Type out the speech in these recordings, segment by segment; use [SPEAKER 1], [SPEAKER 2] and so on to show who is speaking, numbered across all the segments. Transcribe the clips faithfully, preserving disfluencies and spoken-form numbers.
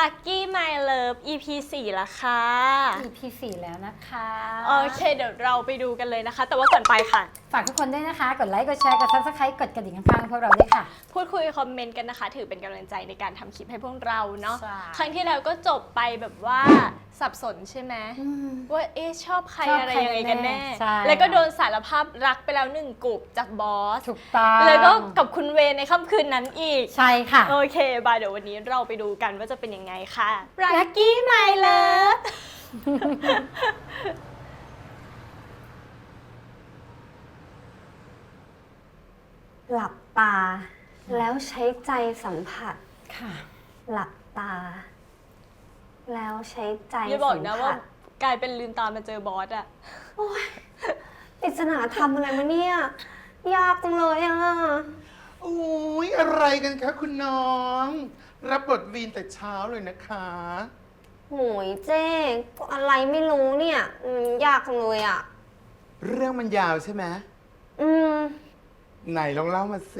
[SPEAKER 1] Lucky My Love อี พี สี่ละค่ะ
[SPEAKER 2] อี พี สี่แล้วนะคะ
[SPEAKER 1] โอเคเดี๋ยวเราไปดูกันเลยนะคะ แต่ว่าก่อนไปค่ะ
[SPEAKER 2] ฝากทุกคนด้วยนะคะ กดไลค์ กดแชร์ กด ซับสไครบ์ กดกระดิ่งข้างๆพวกเราด้วยค่ะ
[SPEAKER 1] พูดคุยคอมเมนต์กันนะคะ ถือเป็นกำลังใจในการทำคลิปให้พวกเราเนาะ
[SPEAKER 2] ใช่
[SPEAKER 1] ครั้งที่แล้วก็จบไปแบบว่าสับสนใช่ไหมว่าเอ๊ะชอบใคร
[SPEAKER 2] ชอบ
[SPEAKER 1] อะไร
[SPEAKER 2] ใคร
[SPEAKER 1] ยังไงกันแน่
[SPEAKER 2] ใช่
[SPEAKER 1] แล้วก็โดนสารภาพรักไปแล้วหนึ่งกลุ่มจากบอส
[SPEAKER 2] ถูกต้อง
[SPEAKER 1] แล้วก็กับคุณเวในค่ำคืนนั้นอีก
[SPEAKER 2] ใช่ค่ะ
[SPEAKER 1] โอเคบายเดี๋ยววันนี้เราไปดูกันว่าจะเป็นยังไงค่ะ Lucky My Love
[SPEAKER 3] หลับตา แล้วใช้ใจสัมผัส
[SPEAKER 2] ค่ะ
[SPEAKER 3] หลับตา แล้วใช้ใจ
[SPEAKER 1] อย่าบอก
[SPEAKER 3] สัม
[SPEAKER 1] นะว่า
[SPEAKER 3] ผัส
[SPEAKER 1] กลายเป็นลืมตามาเจอบอสอะ
[SPEAKER 3] ปริศนาทำอะไรมาเนี่ย ยากจังเลยอ่ะ
[SPEAKER 4] โอ้ยอะไรกันคะคุณน้อง รับบทวีนแต่เช้าเลยนะคะ
[SPEAKER 3] โหยเจ๊ก็อะไรไม่รู้เนี่ยอืมยากจังเลยอ่ะ
[SPEAKER 4] เรื่องมันยาวใช่ไหม
[SPEAKER 3] อืม
[SPEAKER 4] ไหนลองเล่ามาสิ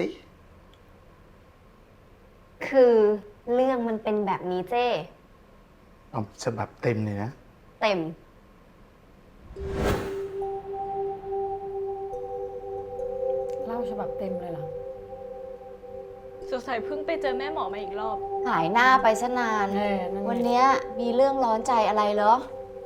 [SPEAKER 3] คือเรื่องมันเป็นแบบนี้เจ้
[SPEAKER 4] เอาฉบับเต็มเลยนะ
[SPEAKER 3] เต็ม
[SPEAKER 2] เล่าฉบับเต็มเลยเหรอ
[SPEAKER 1] สงสัยเพิ่งไปเจอแม่หมอมาอีกรอบ
[SPEAKER 5] หายหน้าไปซะนาน
[SPEAKER 2] เออนั่นไง
[SPEAKER 5] วันเนี้ยมีเรื่องร้อนใจอะไรเหรอ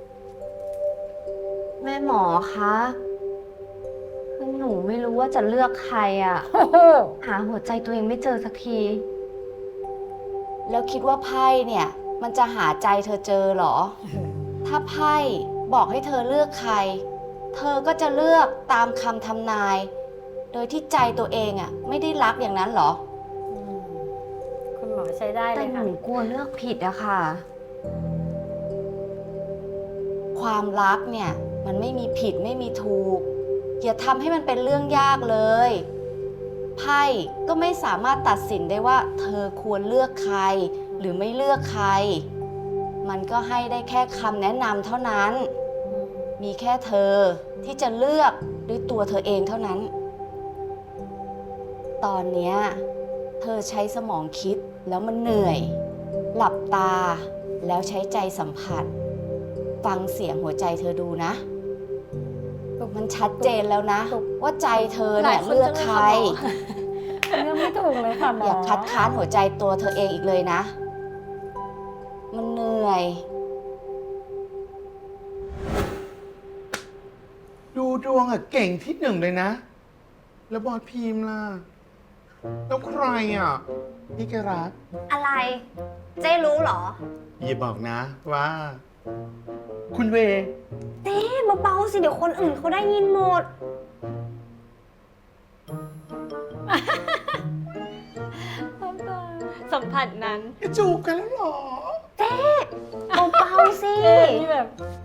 [SPEAKER 3] แม่หมอคะคือหนูไม่รู้ว่าจะเลือกใครอ่ะ
[SPEAKER 2] โอ้โห
[SPEAKER 3] หาหัวใจตัวเองไม่เจอสักที
[SPEAKER 5] แล้วคิดว่าไพ่เนี่ย มันจะหาใจเธอเจอเหรอ ถ้าไพ่บอกให้เธอเลือกใคร เธอก็จะเลือกตามคำทำนาย โดยที่ใจตัวเองอ่ะ ไม่ได้รักอย่างนั้นเหรอ
[SPEAKER 2] อืมคุณหมอใช้ได้เล
[SPEAKER 3] แต่
[SPEAKER 2] ย
[SPEAKER 3] ห
[SPEAKER 2] ค่ะ
[SPEAKER 3] นูกลัวเลือกผิดอะค่ะ
[SPEAKER 5] ความรักเนี่ย มันไม่มีผิดไม่มีถูก อย่าทำให้มันเป็นเรื่องยากเลย ไพ่ก็ไม่สามารถตัดสินได้ว่า เธอควรเลือกใคร หรือไม่เลือกใคร มันก็ให้ได้แค่คำแนะนำเท่านั้น มีแค่เธอที่จะเลือกด้วยตัวเธอเองเท่านั้น ตอนเนี้ยเธอใช้สมองคิดแล้วมันเหนื่อย หลับตาแล้วใช้ใจสัมผัส ฟังเสียงหัวใจเธอดูนะ มันชัดเจนแล้วนะ ว่าใจเธอเนี่ย
[SPEAKER 1] หลายคน
[SPEAKER 5] เลือก
[SPEAKER 1] จังเลย
[SPEAKER 5] ใค
[SPEAKER 1] ค่ะ
[SPEAKER 5] ร
[SPEAKER 1] หมอ
[SPEAKER 2] เรื่องไม่ถูกเลยค่ะหมอ
[SPEAKER 5] อย่าคัดค้านหัวใจตัวเธอเองอีกเลยนะ มันเหนื่อย
[SPEAKER 4] ดูดวงอะเก่งที่หนึ่งเลยนะ แล้วบอสพีมล่ะ แล้วใครอะพี่แกรัก
[SPEAKER 3] อะไร เจ๊รู้เหรอ
[SPEAKER 4] อย่าบอกนะว่า คุณเว
[SPEAKER 3] เจ๊เบาๆสิ เดี๋ยวคนอื่นเขาได้ยินหมด
[SPEAKER 1] สัมผัสนั้น
[SPEAKER 4] จูบกันแล้วเหรอ
[SPEAKER 3] เบาๆสิ
[SPEAKER 2] เจ๊นี่แบบ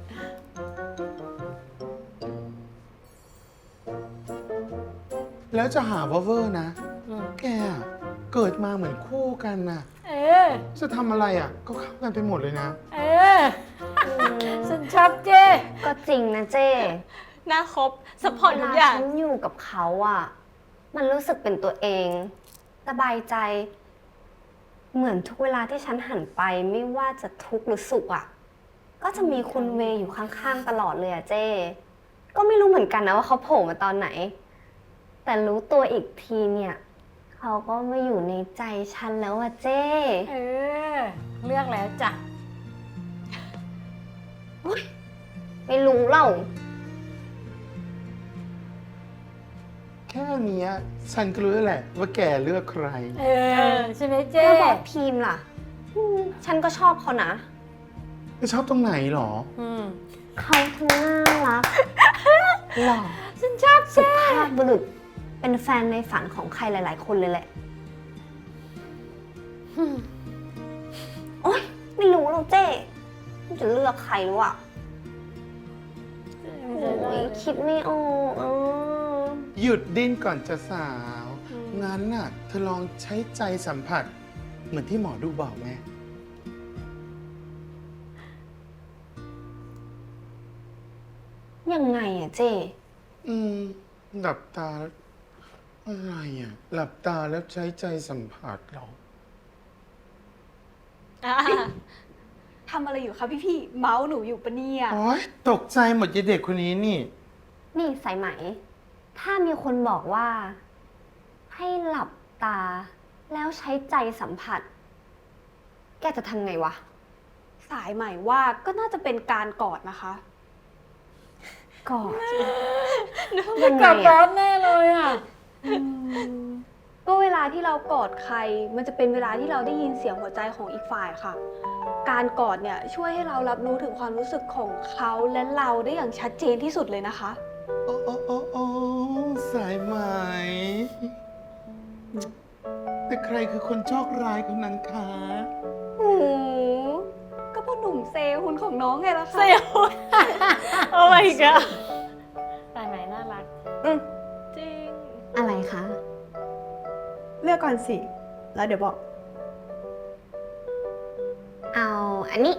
[SPEAKER 4] แล้วจะหาว่าเวอร์นะ
[SPEAKER 2] อืม
[SPEAKER 4] แกอะเกิดมาเหมือนคู่กันน่ะ
[SPEAKER 2] เออ
[SPEAKER 4] จะทำอะไรอ่ะ ก็เข้ากันไปหมดเลยนะ
[SPEAKER 2] เออ ฉันชอบเจ๊
[SPEAKER 3] ก็จริงนะเจ๊
[SPEAKER 1] หน้าครบสปอร์ต
[SPEAKER 3] เว
[SPEAKER 1] ทุ
[SPEAKER 3] ลาก
[SPEAKER 1] อย่าง
[SPEAKER 3] ฉันอยู่กับเขาอะมันรู้สึกเป็นตัวเอง สบายใจ เหมือนทุกเวลาที่ฉันหันไปไม่ว่าจะทุกข์หรือสุขอะก็จะมีคุณเวย์อยู่ข้างๆตลอดเลยอะเจ๊ก็ไม่รู้เหมือนกันนะว่าเขาโผล่มาตอนไหน แต่รู้ตัวอีกทีเนี่ย เขาก็มาอยู่ในใจฉันแล้วอะเจ๊
[SPEAKER 2] เออ เลือกแล้วจ้ะ
[SPEAKER 3] ไม่รู้เล่า
[SPEAKER 4] แค่เนี้ยฉันก็รู้แล้วแหละ ว่าแกเลือกใคร
[SPEAKER 2] เออ ใช่ไหมเจ๊
[SPEAKER 3] แล้วบอกพีมล่ะอืมฉันก็ชอบเขานะ
[SPEAKER 4] ไม่ชอบตรงไหนหรอ
[SPEAKER 2] อืม
[SPEAKER 3] เขาทั้งน่ารัก หล่อ
[SPEAKER 2] ฉันชอบ
[SPEAKER 3] สุ
[SPEAKER 2] เจ๊
[SPEAKER 3] ภาพบุรุษ เป็นแฟนในฝันของใครหลาย ๆ คนเลยแหละ โอ๊ย ไม่รู้หรอกเจ๊จะเลือกใครหรืออ่ะโอ้ยคิดไม่ออกอ่ะ
[SPEAKER 4] หยุดดิ้นก่อนจะสาว งั้นน่ะ เธอลองใช้ใจสัมผัส เหมือนที่หมอดูบอกไหม
[SPEAKER 3] ยังไงอ่ะเจ๊
[SPEAKER 4] อืม หลับตาแล้วอะไรอ่ะ หลับตาแล้วใช้ใจสัมผัสเหรอ
[SPEAKER 1] อ่า
[SPEAKER 6] ำอะไรอยู่คะพี่พี่ๆเมาส์หนูอยู่ปะเนี่ย
[SPEAKER 4] โอ๊ยตกใจหมดยายเด็กคนนี้นี่
[SPEAKER 3] นี่สายไหม ถ้ามีคนบอกว่า ให้หลับตา แล้วใช้ใจสัมผัส แกจะทำไงวะ
[SPEAKER 6] สายใหม่ว่าก็น่าจะเป็นการกอดนะคะ
[SPEAKER 3] กอดยังไง
[SPEAKER 2] กับบอ
[SPEAKER 3] อะ
[SPEAKER 2] สแน่เลยอ่ะ
[SPEAKER 6] ก็เวลาที่เรากอดใคร มันจะเป็นเวลาที่เราได้ยินเสียงหัวใจของอีกฝ่ายค่ะ การกอดเนี่ยช่วยให้เรารับรู้ถึงความรู้สึกของเขาและเราได้อย่างชัดเจนที่สุดเลยนะคะ
[SPEAKER 4] โอ้โอ้โอ้โอ้สายไหม แต่ใครคือคนโชคร้ายคนนั้นคะ
[SPEAKER 6] โอ้โหก็พ่อหนุ่มเซฮุนของน้องไงล่ะคะ
[SPEAKER 1] เซลล์ โอ้ my god
[SPEAKER 2] สายไหมน่ารัก
[SPEAKER 1] จริง
[SPEAKER 3] อะไรคะ
[SPEAKER 6] เลือกก่อนสิ แล้วเดี๋ยวบอก
[SPEAKER 3] เอาอันนี้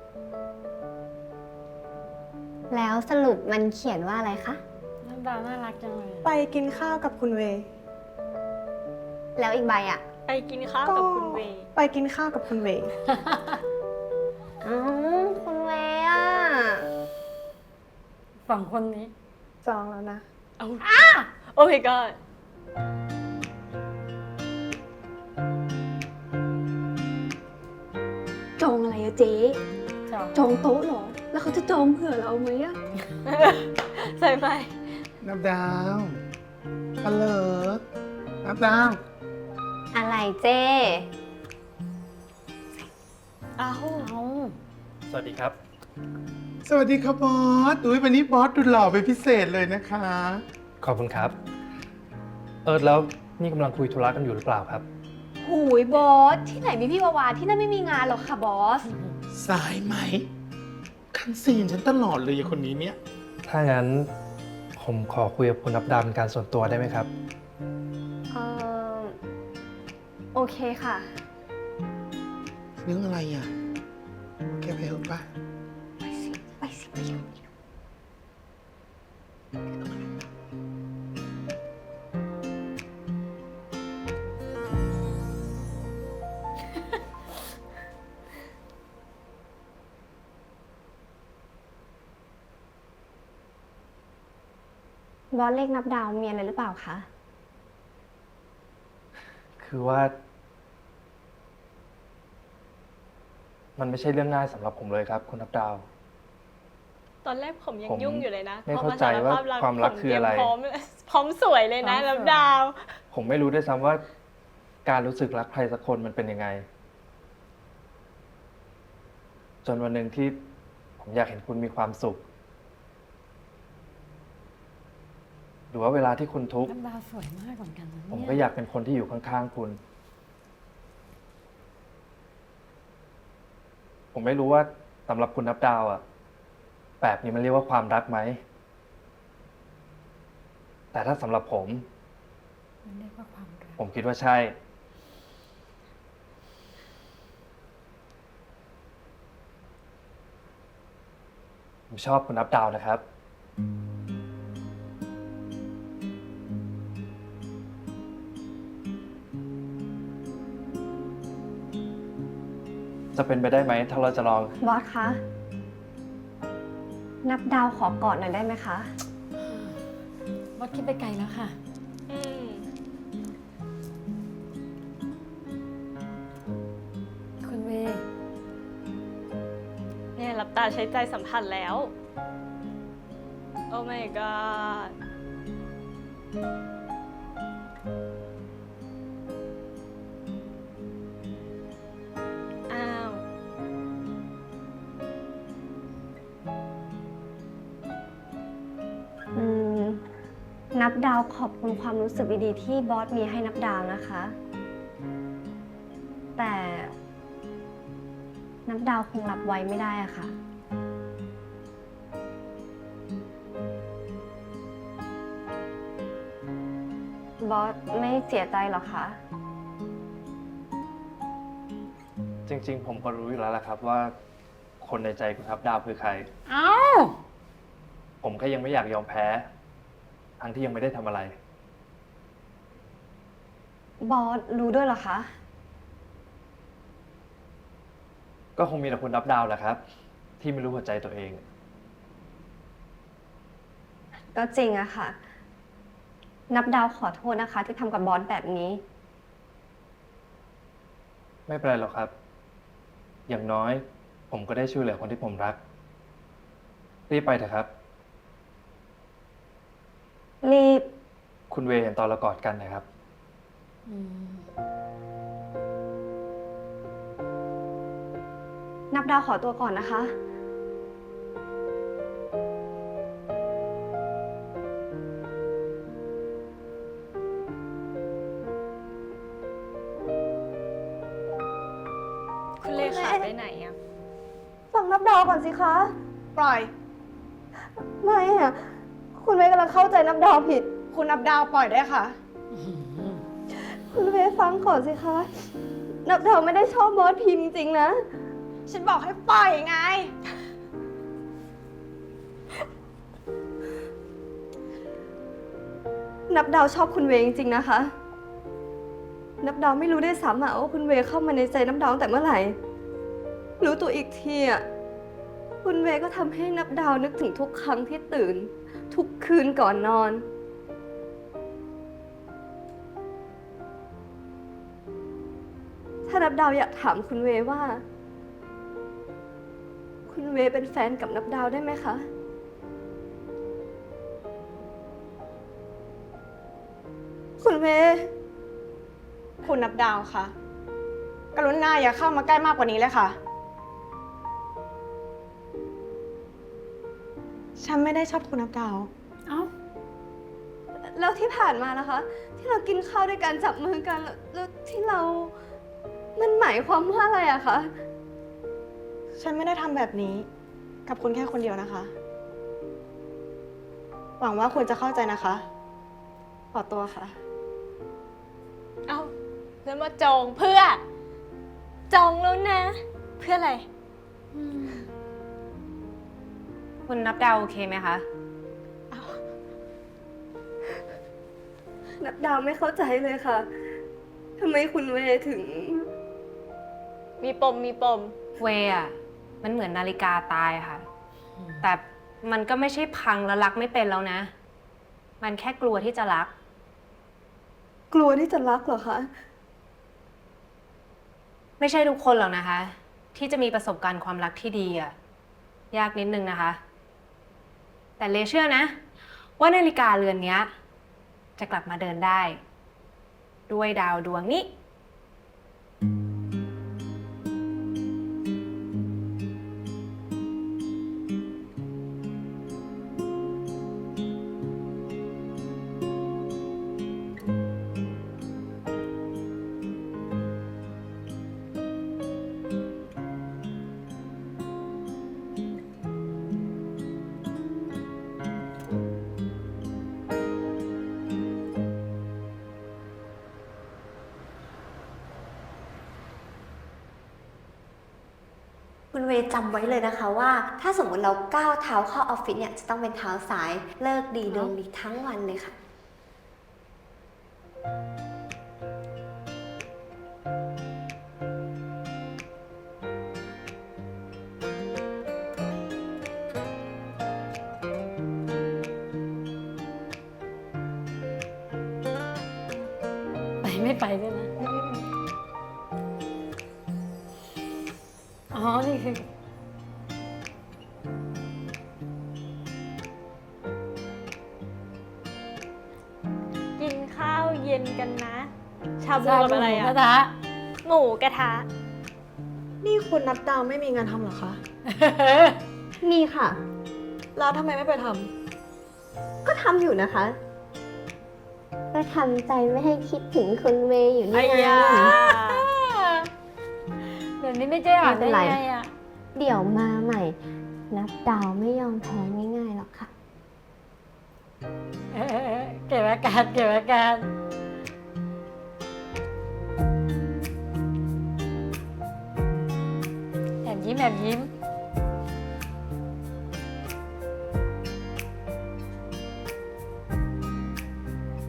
[SPEAKER 3] แล้วสรุปมันเขียนว่าอะไรคะ
[SPEAKER 2] น้ำดาวน่ารักจังเลย
[SPEAKER 6] ไปกินข้าวกับคุณเวย์
[SPEAKER 3] แล้วอีกใบอ่ะ
[SPEAKER 1] ไปกินข้าวกับคุณเวย์
[SPEAKER 6] ไปกินข้าวกับคุณเวย์
[SPEAKER 3] อ๋อ คุณเวอ่ะ
[SPEAKER 2] สองคนนี้
[SPEAKER 6] จองแล้วนะ
[SPEAKER 1] เอาโอ้ my god
[SPEAKER 6] จองอะไรอะเจ๊
[SPEAKER 2] จอง
[SPEAKER 6] จองโต๊ะเหรอ แล้วเขาจะจองเผื่อเราไหมอะ
[SPEAKER 1] ใส่ไหม
[SPEAKER 4] นับดาวฮัลโหลนับดาว
[SPEAKER 3] อะไรเจ้
[SPEAKER 1] เอา
[SPEAKER 2] เอา
[SPEAKER 7] สวัสดีครับ
[SPEAKER 4] สวัสดีครับบอส อุ้ยวันนี้บอสดูหล่อเป็นพิเศษเลยนะคะ
[SPEAKER 7] ขอบคุณครับ เออแล้วนี่กำลังคุยธุระกันอยู่หรือเปล่าครับ
[SPEAKER 6] หูยบอส ที่ไหนมีพี่วาวาที่นั่นไม่มีงานหรอกค่ะบอส
[SPEAKER 4] สายไหม คันซีนฉันตลอดเลยไอ้คนนี้เนี่ย
[SPEAKER 7] ถ้างั้นผมขอคุยกับคุณนับดาวเป็นการส่วนตัวได้ไหมครับ
[SPEAKER 3] เออโอเคค่ะ
[SPEAKER 4] เรื่องอะไรอ่ะแกไปเถอะปะ
[SPEAKER 3] ไปสิ ไปสิไปอยู่ บอสเลขนับดาวมีอะไรหรือเปล่าคะ
[SPEAKER 7] คือว่า มันไม่ใช่เรื่องง่ายสำหรับผมเลยครับ คุณนับดาว
[SPEAKER 1] ตอนแรกผมยัง
[SPEAKER 7] ผม
[SPEAKER 1] ยุ่งอยู่เลยนะ
[SPEAKER 7] ไม่
[SPEAKER 1] พอ
[SPEAKER 7] เข้าใจว่า
[SPEAKER 1] สรภพ
[SPEAKER 7] ความรักคืออะไร
[SPEAKER 1] ผมเตยมพร้อมพร้อมสวยเลยนะแล้วดาว
[SPEAKER 7] ผมไม่รู้ด้วยซ้ำว่าการรู้สึกรักใครสักคนมันเป็นยังไง จนวันหนึ่งที่ผมอยากเห็นคุณมีความสุข หรือว่าเวลาที่คุณทุกข์
[SPEAKER 2] น้ำดาวสวยมากเหมือนกันนะ
[SPEAKER 7] ผม
[SPEAKER 2] เนี่ย
[SPEAKER 7] ก็อยากเป็นคนที่อยู่ข้างๆคุณ ผมไม่รู้ว่าสำหรับคุณนับดาวอะแบบนี้มันเรียกว่าความรักไหม แต่ถ้าสำหรับผม
[SPEAKER 2] มันเรียกว่าความรัก
[SPEAKER 7] ผมคิดว่าใช่ ผมชอบคุณนับดาวนะครับ จะเป็นไปได้ไหมถ้าเราจะลอง
[SPEAKER 3] บอสคะ นับดาวขอกอดหน่อยได้ไหมคะ
[SPEAKER 2] บอสคิดไปไกลแล้วค่ะ
[SPEAKER 1] อืม
[SPEAKER 2] คุณเวย์
[SPEAKER 1] เนี่ยหลับตาใช้ใจสัมผัสแล้ว โอ้ my god อ้าว
[SPEAKER 3] อืม นับดาวขอบคุณความรู้สึกดีๆที่บอสมีให้นับดาวนะคะ แต่ นับดาวคงรับไว้ไม่ได้อะค่ะ บอสไม่เสียใจหรอคะ
[SPEAKER 7] จริง ๆ ผมก็รู้อยู่แล้วแหละครับว่า คนในใจคุณนับดาวคือใคร
[SPEAKER 2] เอ้า
[SPEAKER 7] ผมก็ยังไม่อยากยอมแพ้ ทั้งที่ยังไม่ได้ทำอะไร
[SPEAKER 3] บอสรู้ด้วยเหรอคะ
[SPEAKER 7] ก็คงมีแต่คุณนับดาวแหละครับ ที่ไม่รู้หัวใจตัวเอง
[SPEAKER 3] ก็จริงอะค่ะ นับดาวขอโทษนะคะ ที่ทำกับบอสแบบนี้
[SPEAKER 7] ไม่เป็นไรหรอกครับ อย่างน้อย ผมก็ได้ช่วยเหลือคนที่ผมรัก รีบไปเถอะครับ
[SPEAKER 3] รีบ
[SPEAKER 7] คุณเวย์เห็นตอนเรากอดกันนะครับ
[SPEAKER 3] นับดาวขอตัวก่อนนะคะ
[SPEAKER 1] คุณเลขาไปไหนอะ
[SPEAKER 6] ฟังนับดาวก่อนสิคะ
[SPEAKER 1] ปล่อย
[SPEAKER 6] ไม่อะคุณเวย์กำลังเข้าใจนับดาวผิด
[SPEAKER 1] คุณนับดาวปล่อยได้ค่ะ
[SPEAKER 6] คุณเวย์ฟังก่อนสิคะ นับดาวไม่ได้ชอบบอสพิมพ์จริงๆนะ
[SPEAKER 1] ฉันบอกให้ปล่อยไง
[SPEAKER 6] นับดาวชอบคุณเวย์จริงๆนะคะ นับดาวไม่รู้ได้วยซ้ำอะว่าคุณเวย์เข้ามาในใจนับดาวตั้งแต่เมื่อไหร่ รู้ตัวอีกทีอะคุณเวย์ก็ทำให้นับดาวนึกถึงทุกครั้งที่ตื่น ทุกคืนก่อนนอน ถ้านับดาวอยากถามคุณเวย์ว่า คุณเวย์เป็นแฟนกับนับดาวได้ไหมคะ คุณเวย์
[SPEAKER 1] คุณนับดาวค่ะ กรุณาอย่าเข้ามาใกล้มากกว่านี้เลยค่ะ ฉันไม่ได้ชอบคุณนับดาว
[SPEAKER 2] เอ้า
[SPEAKER 6] แล้วที่ผ่านมานะคะ ที่เรากินข้าวด้วยกันจับมือกันแล้วแล้วที่เรา มันหมายความว่าอะไรอะคะ
[SPEAKER 1] ฉันไม่ได้ทำแบบนี้ กับคุณแค่คนเดียวนะคะ หวังว่าคุณจะเข้าใจนะคะ
[SPEAKER 6] ขอตัวค่ะ
[SPEAKER 1] เอ้าแล้วมาจองเพื่อ จองแล้วนะ เพื่ออะไร
[SPEAKER 8] คุณนับดาวโอเคไหมคะ
[SPEAKER 6] นับดาวไม่เข้าใจเลยค่ะ ทำไมคุณเวย์ถึง
[SPEAKER 1] มีปมมีปม
[SPEAKER 8] เวย์อะมันเหมือนนาฬิกาตายค่ะ แต่มันก็ไม่ใช่พังแล้วรักไม่เป็นแล้วนะ มันแค่กลัวที่จะรัก
[SPEAKER 6] กลัวที่จะรักเหรอคะ
[SPEAKER 8] ไม่ใช่ทุกคนหรอกนะคะ ที่จะมีประสบการณ์ความรักที่ดีอะยากนิดนึงนะคะ แต่เลเชื่อนะ ว่านาฬิกาเรือนเนี้ย จะกลับมาเดินได้ ด้วยดาวดวงนี้
[SPEAKER 3] คุณเวย์จำไว้เลยนะคะว่า ถ้าสมมติเราก้าวเท้าเข้าออฟฟิศเนี่ย จะต้องเป็นเท้าซ้าย เลิกดีดวงดีทั้งวันเลยค่ะ
[SPEAKER 2] ไปไม่ไปด้วยนะ อ๋อ นี่คือ
[SPEAKER 1] กินข้าวเย็นกันนะ ชาบูกับอะไร
[SPEAKER 2] หมูก
[SPEAKER 1] อะ
[SPEAKER 2] ระทะ
[SPEAKER 1] หมูกระทะ นี่คุณนับดาวไม่มีงานทำเหรอคะ
[SPEAKER 3] มีค่ะ
[SPEAKER 1] แล้วทำไมไม่ไปท
[SPEAKER 3] ก็ทำอยู่นะคะ ก็ทำใจไม่ให้คิดถึงคุณเวย์อยู่
[SPEAKER 1] ำ
[SPEAKER 3] นี่ไง
[SPEAKER 2] เดี๋ยวนี้ไม่เจ๊อ่านได้ไงอ่ะ
[SPEAKER 3] เดี๋ยวมาใหม่ นับดาวไม่ยอมแพ้ง่ายๆหรอกค่ะ
[SPEAKER 2] เออเก็บอาการเก็บอาการแอบยิ้มแอบยิ้ม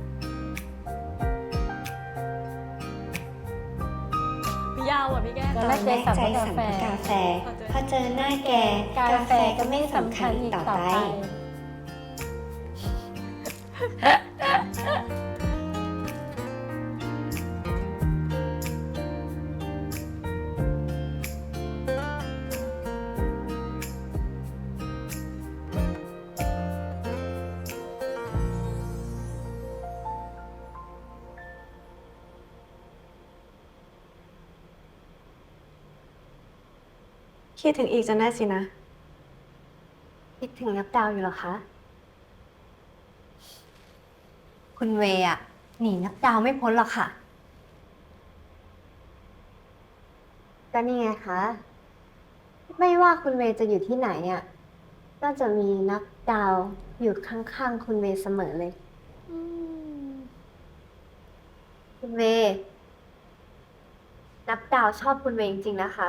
[SPEAKER 1] ยาวอ่ะพี่แก้ว
[SPEAKER 2] ตอนแร
[SPEAKER 3] แม่ใจสั่งเพราะกาแฟ พอเจอหน้าแก กาแฟก็ไม่สำคัญอีกต่อไป
[SPEAKER 6] คิดถึงอีกจนได้สินะ
[SPEAKER 3] คิดถึงนับดาวอยู่เหรอคะ คุณเวย์อะหนีนับดาวไม่พ้นหรอกค่ะ ก็นี่ไงคะ ไม่ว่าคุณเวย์จะอยู่ที่ไหนอะก็จะมีนับดาวอยู่ข้างๆคุณเวย์เสมอเลย คุณเวย์นับดาวชอบคุณเวย์จริงๆนะคะ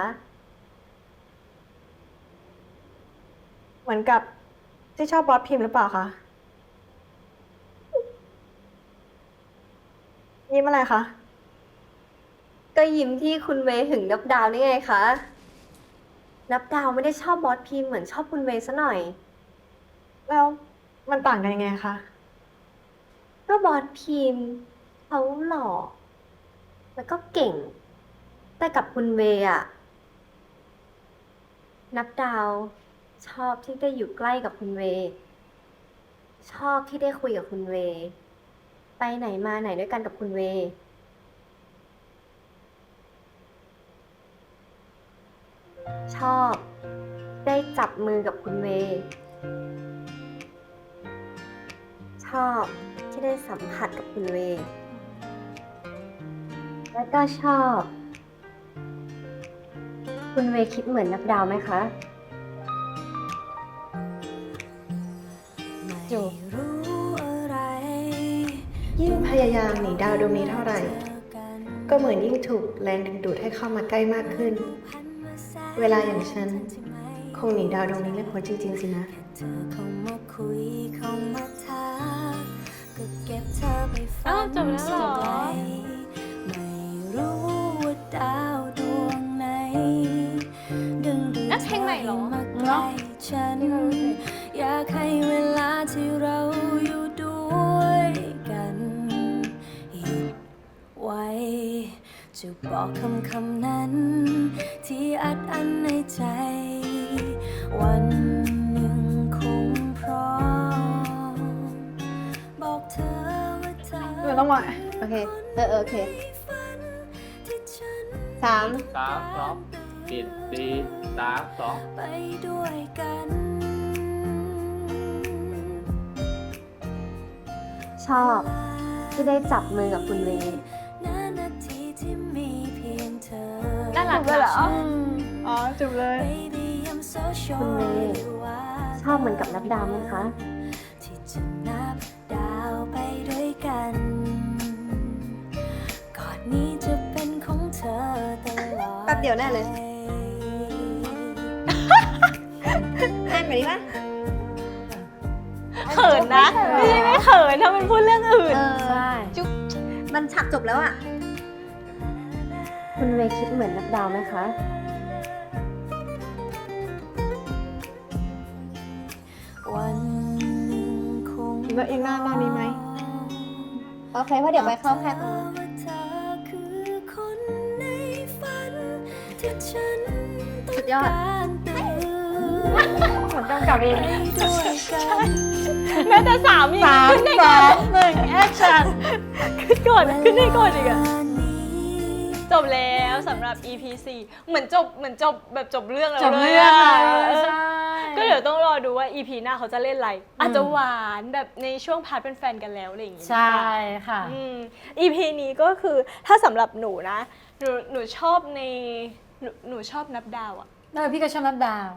[SPEAKER 6] เหมือนกับที่ชอบบอสพิมพ์หรือเปล่าคะ ยิ้มอะไรคะ
[SPEAKER 3] ก็ยิ้มที่คุณเวย์หึงนับดาวนี่ไงคะ นับดาวไม่ได้ชอบบอสพิมพ์เหมือนชอบคุณเวย์ซะหน่อย
[SPEAKER 6] แล้วมันต่างกันยังไงคะ
[SPEAKER 3] ก็บอสพิมพ์เขาหล่อแล้วก็เก่ง แต่กับคุณเวย์อะนับดาวชอบที่ได้อยู่ใกล้กับคุณเวย์ชอบที่ได้คุยกับคุณเวย์ไปไหนมาไหนด้วยกันกับคุณเวย์ชอบได้จับมือกับคุณเวย์ชอบที่ได้สัมผัสกับคุณเวย์แล้วก็ชอบ คุณเวย์คิดเหมือนนับดาวไหมคะ
[SPEAKER 2] จูบ
[SPEAKER 6] ยิ่งพยายามหนีดาวดวงนี้เท่าไหร่ ก็เหมือนยิ่งถูกแรงดึงดูดให้เข้ามาใกล้มากขึ้น เวลาอย่างฉัน คงหนีดาวดวงนี้ไม่พ้นจริงๆสินะ
[SPEAKER 1] อ้าวจบแล้วเหรอ นั่นเพลงใหม่เหรอ
[SPEAKER 2] เนาะ
[SPEAKER 9] อยากให้เวลาที่เราอยู่ด้วยกันหยุดไว้ จะบอกคำคำนั้น ที่อัดอั้นในใจ วันหนึ่งคงพร้อมบอกเธอว่าเธอ
[SPEAKER 6] เดี๋ยวต้องมา
[SPEAKER 3] โอเค เออเออโอเค สาม
[SPEAKER 10] สามสองปิดสี่สามสอง
[SPEAKER 9] ไปด้วยกัน
[SPEAKER 3] ชอบที่ได้จับมือกับคุณเวย์
[SPEAKER 9] นาทีที่มีเพียงเธอ
[SPEAKER 1] น่ารัก
[SPEAKER 6] เลยเหรอ
[SPEAKER 1] นะ
[SPEAKER 6] อ๋อจุบเลย
[SPEAKER 9] Baby I'm so
[SPEAKER 3] คุณเว
[SPEAKER 9] sure
[SPEAKER 3] ย์ชอบเหมือนกับนับดาวไหมคะ
[SPEAKER 9] ที่จะนับดาวไปด้วยกันกอดนี้จะเป็นของเธอตลอด
[SPEAKER 6] แป๊บเดียวแน่เลย
[SPEAKER 3] แน่นไปดิวะ
[SPEAKER 1] เขินนะ ไม่ใช่ไม่เขินถ้ามันพูดเรื่องอื่น
[SPEAKER 3] เออ
[SPEAKER 2] ใช่
[SPEAKER 3] จุ๊บมันฉากจบแล้วอ่ะ คุณเวย์คิดเหมือนนับดาวไหมคะ
[SPEAKER 9] วันหนึ่งคง
[SPEAKER 6] แล้วอีกหน้าหน้านี้ไหม
[SPEAKER 3] โอเคเพราะเดี๋ยวไปเข้าแค่ตรงนั้น
[SPEAKER 9] ว่าเธอคือคนในฝันที่ฉันต้
[SPEAKER 3] สุ
[SPEAKER 9] อง
[SPEAKER 3] ดยอด
[SPEAKER 9] การตื่น
[SPEAKER 2] เหมือนกำกับเอง
[SPEAKER 9] ไปด้วยกัน
[SPEAKER 1] แม้แต่สามี
[SPEAKER 2] สาม
[SPEAKER 1] ขึ้นได้
[SPEAKER 2] ส
[SPEAKER 1] ก่
[SPEAKER 2] อ
[SPEAKER 1] อน
[SPEAKER 2] งหนึ่งแอคชั่น
[SPEAKER 1] ขึ้นก่อนขึ้นได้ก่อนอีกอะ
[SPEAKER 9] วันนี้
[SPEAKER 1] จบแล้วสำหรับ อี พี สี่ เหมือนจบเหมือนจบแบบจบเรื่องแล้ว
[SPEAKER 2] จบ
[SPEAKER 1] เลย
[SPEAKER 2] เรื่อง
[SPEAKER 1] อะ
[SPEAKER 2] อะใช่
[SPEAKER 1] ก็เดี๋ยวต้องรอดูว่า อี พี หน้าเขาจะเล่นอะไร อาจจะหวานแบบในช่วงพาร์ทเป็นแฟนกันแล้วอะไรอย่างงี้
[SPEAKER 2] ใช่ค่ะ
[SPEAKER 1] อืม อี พี นี้ก็คือถ้าสำหรับหนูนะ หนูหนูชอบในหนูหนูชอบนับดาวอะ
[SPEAKER 2] เออพี่ก็ชอบนับดาว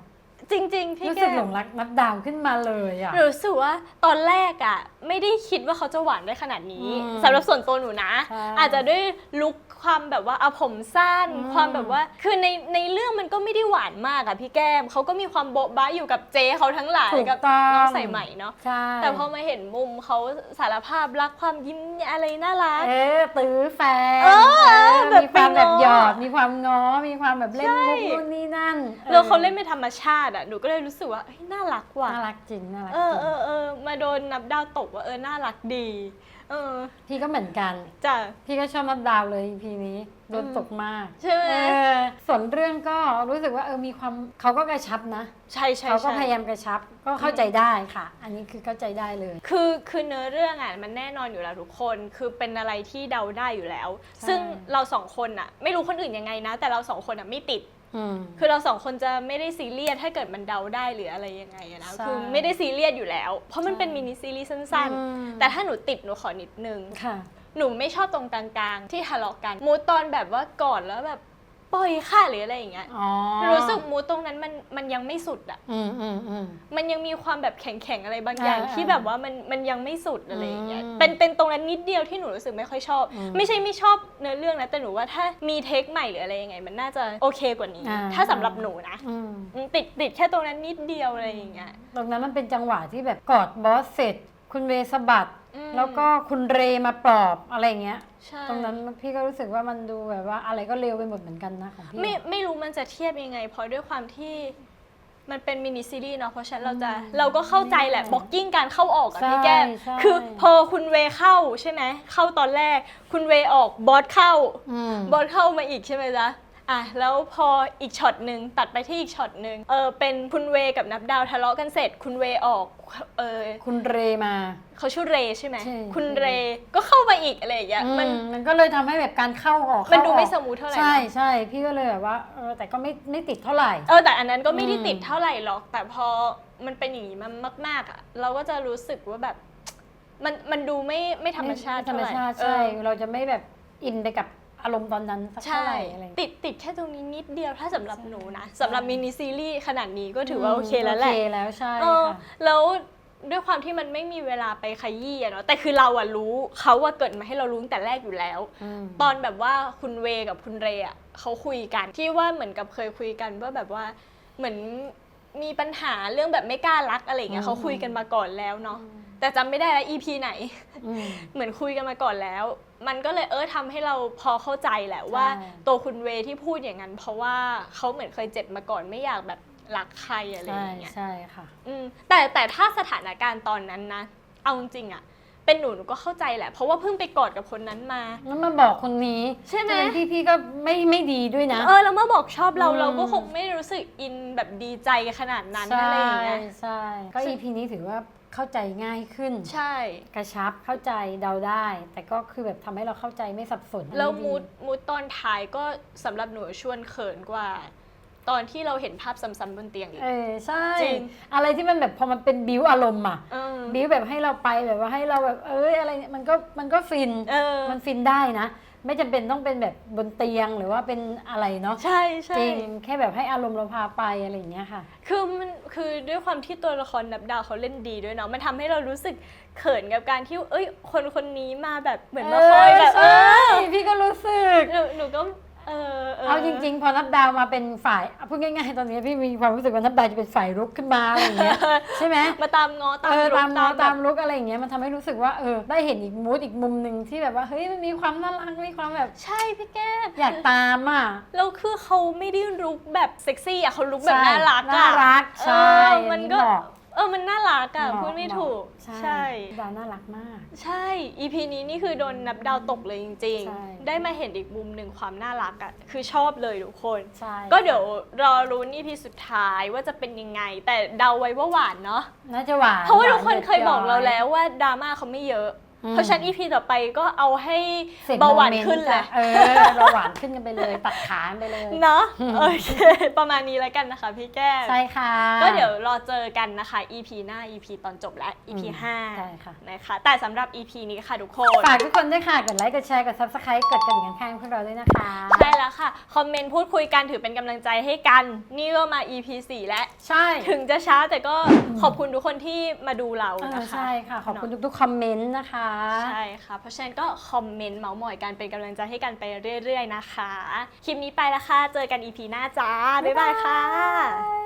[SPEAKER 1] จริงๆพี่
[SPEAKER 2] รู้
[SPEAKER 1] แก้
[SPEAKER 2] สึกหล
[SPEAKER 1] ม
[SPEAKER 2] งรักนับดาวขึ้นมาเลยอ่ะ
[SPEAKER 1] หนูรู้สึกว่าตอนแรกอ่ะไม่ได้คิดว่าเขาจะหวานได้ขนาดนี้
[SPEAKER 2] อืม
[SPEAKER 1] สำหรับส่วนตัวหนูนะ
[SPEAKER 2] ใช่
[SPEAKER 1] อาจจะด้วยลุคความแบบว่าเอาผมสั้น
[SPEAKER 2] อืม
[SPEAKER 1] ความแบบว่าคือในในเรื่องมันก็ไม่ได้หวานมากอะพี่แก้มเขาก็มีความโบ๊ะบ้าอยู่กับเจ๊เขาทั้งหลาย
[SPEAKER 2] ถูก
[SPEAKER 1] กับ
[SPEAKER 2] ต้อง
[SPEAKER 1] น้องใส่ใหม่เนาะ
[SPEAKER 2] ใช่
[SPEAKER 1] แต่พอมาเห็นมุมเขาสารภาพรักความยิ้มอะไรน่ารัก
[SPEAKER 2] เอ๊ะตื้อแฟน
[SPEAKER 1] เออ
[SPEAKER 2] เออ
[SPEAKER 1] แบบ
[SPEAKER 2] มีความแบบ
[SPEAKER 1] ไปง้อ
[SPEAKER 2] หยอดมีความง้อมีความแบบเล่น
[SPEAKER 1] ใช่
[SPEAKER 2] มุกนู่นนี่นั่น
[SPEAKER 1] แล้วเขาเล่นเป็นธรรมชาติอะหนูก็เลยรู้สึกว่าเฮ้ยน่ารักว่ะ
[SPEAKER 2] น่ารักจริงน่ารัก
[SPEAKER 1] เอ
[SPEAKER 2] จ
[SPEAKER 1] อ
[SPEAKER 2] ริง
[SPEAKER 1] เออเออมาโดนนับดาวตกว่าเออน่ารักดีเออ
[SPEAKER 2] พี่ก็เหมือนกัน
[SPEAKER 1] จ้ะ
[SPEAKER 2] พี่ก็ชอบนับดาวเลย อี พี นี้โดน
[SPEAKER 1] อืม
[SPEAKER 2] ตกมาก
[SPEAKER 1] ใช่ไหม
[SPEAKER 2] เออส่วนเรื่องก็รู้สึกว่าเออมีความเขาก็กระชับนะ
[SPEAKER 1] ใช่ใช่
[SPEAKER 2] เขาก็
[SPEAKER 1] ใช่
[SPEAKER 2] พยายามกระชับก็เข้าใจได้ค่ะ อันนี้คือเข้าใจได้เลย
[SPEAKER 1] คือคือเนื้อเรื่องอ่ะมันแน่นอนอยู่แล้วทุกคนคือเป็นอะไรที่เดาได้อยู่แล้ว
[SPEAKER 2] ใช่
[SPEAKER 1] ซึ่งเราสองคนอ่ะ ไม่รู้คนอื่นยังไงนะ แต่เราสองคนอ่ะไม่ติด
[SPEAKER 2] อืม
[SPEAKER 1] คือเราสองคนจะไม่ได้ซีเรียสถ้าเกิดมันเดาได้หรืออะไรยังไงอะนะ
[SPEAKER 2] ใช่
[SPEAKER 1] คือไม่ได้ซีเรียสอยู่แล้ว เพราะมัน
[SPEAKER 2] ใช่
[SPEAKER 1] เป็นมินิซีรีส์สั้น
[SPEAKER 2] อืม
[SPEAKER 1] ๆ แต่ถ้าหนูติดหนูขอนิดนึง
[SPEAKER 2] ค่ะ
[SPEAKER 1] หนูไม่ชอบตรงกลางๆ ที่ทะเลาะกันมูดตอนแบบว่ากอดแล้วแบบปล่อยค่ะหรืออะไรอย่างเงี้ย
[SPEAKER 2] อ๋อ
[SPEAKER 1] รู้สึกมูดตรงนั้นมันมันยังไม่สุดอ่ะ
[SPEAKER 2] อืมอืมอืม
[SPEAKER 1] มันยังมีความแบบแข็งๆอะไรบางอย่าง
[SPEAKER 2] อ่า
[SPEAKER 1] ที่แบบว่ามันมันยังไม่สุดอะไรอย่างเงี้ย
[SPEAKER 2] อืม
[SPEAKER 1] เป็นเป็นตรงนั้นนิดเดียวที่หนูรู้สึกไม่ค่อยชอบ
[SPEAKER 2] อืม
[SPEAKER 1] ไม่ใช่ไม่ชอบเนื้อเรื่องนะแต่หนูว่าถ้ามีเทคใหม่หรืออะไรยังไง มันน่าจะโอเคกว่านี้
[SPEAKER 2] อ่า
[SPEAKER 1] ถ้าสำหรับหนูนะ
[SPEAKER 2] อืม
[SPEAKER 1] อืมติดติดแค่ตรงนั้นนิดเดียวอะไรอย่างเงี้ย
[SPEAKER 2] ตรงนั้นมันเป็นจังหวะที่แบบกอดบอสเสร็จ คุณเวสะบัด
[SPEAKER 1] อืม
[SPEAKER 2] แล้วก็คุณเรมาปลอบอะไรอย่างเงี้ย
[SPEAKER 1] ใช่
[SPEAKER 2] ตรงนั้นพี่ก็รู้สึกว่ามันดูแบบว่าอะไรก็เร็วไปหมดเหมือนกันนะของพี่
[SPEAKER 1] ไม่ไม่รู้มันจะเทียบยังไง เพราะด้วยความที่มันเป็นมินิซีรีส์เนาะเพราะฉะนั้นเราจะเราก็เข้าใจแหละบล็อกกิ้งการเข้าออกอะ
[SPEAKER 2] ใช่
[SPEAKER 1] พี่แก้ม
[SPEAKER 2] ใช่
[SPEAKER 1] คือพอคุณเวเข้าใช่ไหมเข้าตอนแรก คุณเวออกบอสเข้า
[SPEAKER 2] อืม
[SPEAKER 1] บอสเข้ามาอีกใช่ไหมจ๊ะอ่ะแล้วพออีกช็อตหนึ่งตัดไปที่อีกช็อตหนึ่งเออเป็นคุณเวกับนับดาวทะเลาะกันเสร็จ คุณเวออกเออ
[SPEAKER 2] คุณเรมา
[SPEAKER 1] เขาชื่อเรใช่ไหม
[SPEAKER 2] ใช่
[SPEAKER 1] คุณเรก็เข้ามาอีกอะไรอย่างเงี้ย
[SPEAKER 2] มั
[SPEAKER 1] มัน น
[SPEAKER 2] มันก็เลยทำให้แบบการเข้าออก
[SPEAKER 1] มัน
[SPEAKER 2] เข้า
[SPEAKER 1] ดู
[SPEAKER 2] ออก
[SPEAKER 1] ไม่สมูทเท่าไหร่
[SPEAKER 2] ใช่
[SPEAKER 1] นะ
[SPEAKER 2] ใช่พี่ก็เลยแบบว่าเออแต่ก็ไม่ไม่ติดเท่าไหร่
[SPEAKER 1] เออแต่อันนั้นก็ไม่ได้
[SPEAKER 2] อืม
[SPEAKER 1] ติดเท่าไหร่หรอก แต่พอมันเป็นอย่างนี้มันมากๆอ่ะเราก็จะรู้สึกว่าแบบมันมันดูไม่ไม่ธรรมชาติ
[SPEAKER 2] ธรรม
[SPEAKER 1] เท่าไห
[SPEAKER 2] ชาติ
[SPEAKER 1] เอ
[SPEAKER 2] ใช่
[SPEAKER 1] อ
[SPEAKER 2] เราจะไม่แบบอินไปกับอารมณ์ตอนนั้นสัก
[SPEAKER 1] ใช่
[SPEAKER 2] เท่าไหร่อะไรอย่างเงี้ย
[SPEAKER 1] ติดติดแค่ตรงนี้นิดเดียวถ้าสำหรับหนูนะสำหรับมินิซีรีส์ขนาดนี้ก็ถือว่าโอเคแล้วแหละ
[SPEAKER 2] โอเคแล้วใช่
[SPEAKER 1] เออ
[SPEAKER 2] ค่ะ
[SPEAKER 1] แล้วด้วยความที่มันไม่มีเวลาไปขยี้อะเนาะแต่คือเราอะรู้เขาอะเกิดมาให้เรารู้ตั้งแต่แรกอยู่แล้ว
[SPEAKER 2] ม
[SPEAKER 1] ตอนแบบว่าคุณเวกับคุณเรอะเขาคุยกันที่ว่าเหมือนกับเคยคุยกันว่าแบบว่าเหมือนมีปัญหาเรื่องแบบไม่กล้ารักอะไรอย่างเงี้ยเขาคุยกันมาก่อนแล้วเนาะแต่จำไม่ได้แล้ว อี พี ไหน
[SPEAKER 2] อืม
[SPEAKER 1] เหมือนคุยกันมาก่อนแล้ว มันก็เลยเออทำให้เราพอเข้าใจแหละว่า
[SPEAKER 2] ใช่
[SPEAKER 1] ตัวคุณเวที่พูดอย่างนั้น เพราะว่าเขาเหมือนเคยเจ็บมาก่อนไม่อยากแบบรักใครอะไรอ
[SPEAKER 2] ใช่
[SPEAKER 1] ย่างเงี้ย
[SPEAKER 2] ใช่ค่ะ
[SPEAKER 1] อืมแต่แต่ถ้าสถานการณ์ตอนนั้นนะเอาจริงๆอะเป็นหนูหนูก็เข้าใจแหละ เพราะว่าเพิ่งไปกอดกับคนนั้นมา
[SPEAKER 2] แล้วมาบอกคนนี้
[SPEAKER 1] ใช่ไหม
[SPEAKER 2] จะเป็นพี่พี่ก็ไม่ไม่ดีด้วยนะ
[SPEAKER 1] เออแล้วเมื่อบอกชอบเรา
[SPEAKER 2] อืม
[SPEAKER 1] เราก็คงไม่รู้สึกอินแบบดีใจขนาดนั้น
[SPEAKER 2] ใช่
[SPEAKER 1] อะไรอย่างเงี้ย
[SPEAKER 2] ใช่ก็
[SPEAKER 1] ซึ่
[SPEAKER 2] อี
[SPEAKER 1] ง
[SPEAKER 2] พีนี้ถือว่าเข้าใจง่ายขึ้น
[SPEAKER 1] ใช่
[SPEAKER 2] กระชับเข้าใจเดาได้ แต่ก็คือแบบทำให้เราเข้าใจไม่สับสน
[SPEAKER 1] แล้ว
[SPEAKER 2] อันนี้
[SPEAKER 1] มูดมูดตอนท้ายก็สำหรับหนูชวนเขินกว่า ตอนที่เราเห็นภาพซ้ำๆบนเตียงอีก
[SPEAKER 2] เออใช่
[SPEAKER 1] จริง
[SPEAKER 2] อะไรที่มันแบบพอมันเป็นบิวอารมณ์อ่ะ
[SPEAKER 1] เออ
[SPEAKER 2] บิวแบบให้เราไปแบบว่าให้เราแบบเอ้ยอะไรเนี่ยมันก็มันก็ฟิน
[SPEAKER 1] เออ
[SPEAKER 2] มันฟินได้นะ ไม่จำเป็นต้องเป็นแบบบนเตียงหรือว่าเป็นอะไรเนาะ
[SPEAKER 1] ใช่ใช่
[SPEAKER 2] จริงแค่แบบให้อารมณ์เราพาไปอะไรอย่างเงี้ยค่ะ
[SPEAKER 1] คือมันคือด้วยความที่ตัวละครนับดาวเขาเล่นดีด้วยเนาะมันทำให้เรารู้สึกเขินกับการที่เอ้ยคนคนนี้มาแบบเหมือนมาคอยแบบเอ
[SPEAKER 2] ใช่
[SPEAKER 1] อ
[SPEAKER 2] พี่ก็รู้สึก
[SPEAKER 1] หนูหนูก็เออ
[SPEAKER 2] เอาจริงๆ พอนับดาวมาเป็นฝ่ายเอาพูดง่ายๆ ตอนนี้พี่มีความรู้สึกว่านับดาวจะเป็นฝ่ายรุกขึ้นมาอะไรอย่างเงี้ย ใช่ไหม
[SPEAKER 1] มาตามง้อตาม
[SPEAKER 2] เออ
[SPEAKER 1] รุก
[SPEAKER 2] ตามน้อง
[SPEAKER 1] แบบ
[SPEAKER 2] ตามลุกอะไรอย่างเงี้ยมันทำให้รู้สึกว่าเออได้เห็นอีกมูดอีกมุมหนึ่งที่แบบว่าเฮ้ยมันมีความน่ารักมีความแบบ
[SPEAKER 1] ใช่พี่แก้ม
[SPEAKER 2] อยากตามอ่ะ
[SPEAKER 1] แล้วคือเขาไม่ได้รุกแบบเซ็กซี่อ่ะเขารุกแบบ
[SPEAKER 2] ใช่
[SPEAKER 1] น่ารักอ่ะ
[SPEAKER 2] น่ารักใช่
[SPEAKER 1] เออ
[SPEAKER 2] อั
[SPEAKER 1] มัน
[SPEAKER 2] นี้
[SPEAKER 1] ก็
[SPEAKER 2] เหมาะ
[SPEAKER 1] เออมันน่ารักอ่ะ
[SPEAKER 2] เหมาะ
[SPEAKER 1] พูดไม่
[SPEAKER 2] เหมาะ
[SPEAKER 1] ถูก
[SPEAKER 2] ใช่ดาวน่ารักมาก
[SPEAKER 1] ใช่ อี พี นี้นี่คือโดนนับดาวตกเลยจริง
[SPEAKER 2] ใช่
[SPEAKER 1] ๆ ได้มาเห็นอีกมุมหนึ่งความน่ารักอ่ะคือชอบเลยทุกคน
[SPEAKER 2] ใช่
[SPEAKER 1] ก็เดี๋ยวรอรุ้น อี พี สุดท้ายว่าจะเป็นยังไง แต่เดาไว้ว่าหวานเนาะ
[SPEAKER 2] น่าจะหวาน
[SPEAKER 1] เพราะว่าทุกคน
[SPEAKER 2] หด็ด
[SPEAKER 1] เคยบอกเรา
[SPEAKER 2] ย้
[SPEAKER 1] แล้วว่าดราม่าเขาไม่เยอะเพราะฉะนั้น อี พี ต่อไปก็เอาให้
[SPEAKER 2] สร็จ
[SPEAKER 1] เบาหวาน
[SPEAKER 2] โมมต์
[SPEAKER 1] ขึ้นเลย
[SPEAKER 2] จ้ะเออเบาหวานขึ้นกันไปเลย ตัดขาไปเลย
[SPEAKER 1] เนาะโอเค ประมาณนี้แล้วกันนะคะพี่แก้ม
[SPEAKER 2] ใช่ค่ะ
[SPEAKER 1] ก็เดี๋ยวรอเจอกันนะคะ อี พี หน้า อี พี ตอนจบและ อี พี
[SPEAKER 2] อืม
[SPEAKER 1] ห้า
[SPEAKER 2] ใช่ค่ะ
[SPEAKER 1] นะคะแต่สำหรับ อี พี นี้ค่ะทุกคน
[SPEAKER 2] ฝากทุกคนด้วยค่ะ กดไลค์ กดแชร์ กด ซับสไครบ์ กดกระดิ่งข้างๆพวกเราด้วยนะคะ
[SPEAKER 1] ใช่แล้วค่ะ คอมเมนต์พูดคุยกันถือเป็นกำลังใจให้กัน นี่ก็มา อี พี สี่ แล้ว
[SPEAKER 2] ใช่
[SPEAKER 1] ถึงจะช้าแต่ก็ขอบคุณทุกคนที่มาดูเรา
[SPEAKER 2] เออ
[SPEAKER 1] นะคะ
[SPEAKER 2] ใช่ค่ะ ขอบคุณทุกๆคอมเมนต์นะคะ
[SPEAKER 1] ใช่ค่ะ เพราะฉะนั้นก็คอมเมนต์เมาส์มอยกันเป็นกำลังใจให้กันไปเรื่อยๆนะคะ คลิปนี้ไปแล้วค่ะ เจอกัน อี พี หน้าจ้า บ๊ายบายค่ะ